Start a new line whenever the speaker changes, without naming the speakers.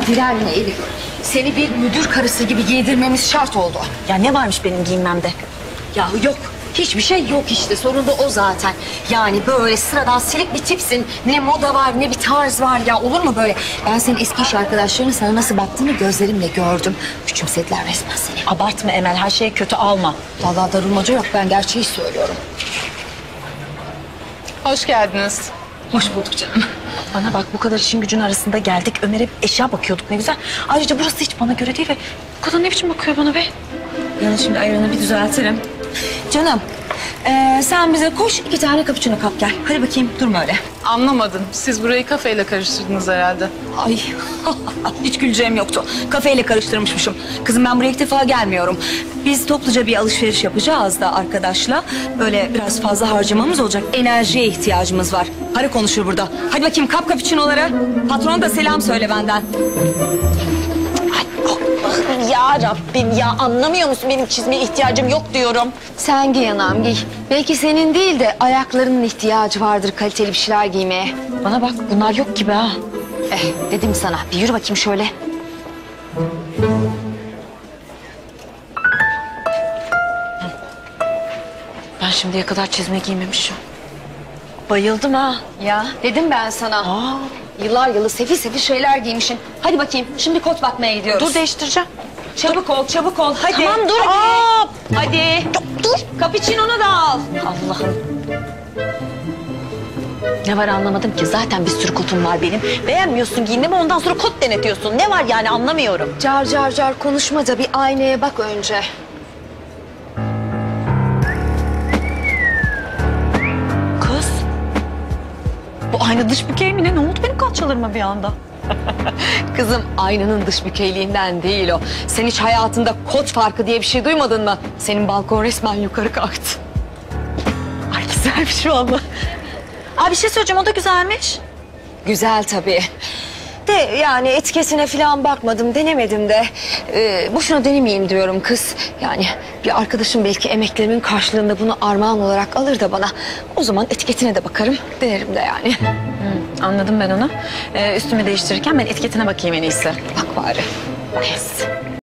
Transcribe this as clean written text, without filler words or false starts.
Direnme Elif. Seni bir müdür karısı gibi giydirmemiz şart oldu.
Ya ne varmış benim giyinmemde?
Ya yok. Hiçbir şey yok işte. Sorun da o zaten. Yani böyle sıradan silik bir tipsin. Ne moda var ne bir tarz var ya. Olur mu böyle? Ben senin eski iş arkadaşlarının sana nasıl baktığını gözlerimle gördüm. Küçümsediler resmen seni.
Abartma Emel, her şeyi kötü alma.
Vallahi darılmaca yok. Ben gerçeği söylüyorum.
Hoş geldiniz.
Hoş bulduk canım.
Bana bak, bu kadar işin gücün arasında geldik. Ömer'e eşya bakıyorduk, ne güzel. Ayrıca burası hiç bana göre değil ve bu kadar ne biçim bakıyor bana be?
Yani şimdi ayranı bir düzeltirim. Canım, sen bize koş 2 tane cappuccino kap gel. Hadi bakayım, durma öyle.
Anlamadım. Siz burayı kafeyle karıştırdınız herhalde.
Ay, hiç güleceğim yoktu. Kafeyle karıştırmışmışım. Kızım ben buraya ilk defa gelmiyorum. Biz topluca bir alışveriş yapacağız da arkadaşla. Böyle biraz fazla harcamamız olacak. Enerjiye ihtiyacımız var. Para konuşur burada. Hadi bakayım kap cappuccino'lara. Patrona da selam söyle benden.
Ya Rabbim ya, anlamıyor musun? Benim çizmeye ihtiyacım yok diyorum.
Sen giy anam giy. Belki senin değil de ayaklarının ihtiyacı vardır kaliteli bir şeyler giymeye.
Bana bak, bunlar yok gibi ha.
Dedim sana. Bir yürü bakayım şöyle.
Ben şimdiye kadar çizme giymemişim. Bayıldım ha.
Ya dedim ben sana. Yıllar yılı sefil sefil şeyler giymişsin. Hadi bakayım şimdi kot bakmaya gidiyoruz.
Dur, değiştireceğim.
Çabuk ol çabuk ol. Hadi.
Tamam, dur.
Hadi. Hadi.
Dur.
Cappuccino'nu da al.
Allah'ım. Ne var anlamadım ki. Zaten bir sürü kotum var benim. Beğenmiyorsun giyindiğimi, ondan sonra kot denetiyorsun. Ne var yani, anlamıyorum.
Car car car konuşma da bir aynaya bak önce.
Kız. Bu ayna dış bükey mi ne? Ne oldu benim kalçalarıma bir anda?
Kızım aynanın dış bükeyliğinden değil o. Sen hiç hayatında kot farkı diye bir şey duymadın mı? Senin balkon resmen yukarı kalktı.
Ay güzelmiş valla. Aa, bir şey söyleyeceğim, o da güzelmiş.
Güzel tabii. De yani etiketine falan bakmadım, denemedim de. Boşuna denemeyeyim diyorum kız. Yani bir arkadaşım belki emeklerimin karşılığında bunu armağan olarak alır da bana. O zaman etiketine de bakarım, denerim de yani.
Anladım ben onu. Üstümü değiştirirken ben etiketine bakayım en iyisi.
Bak bari. Yes.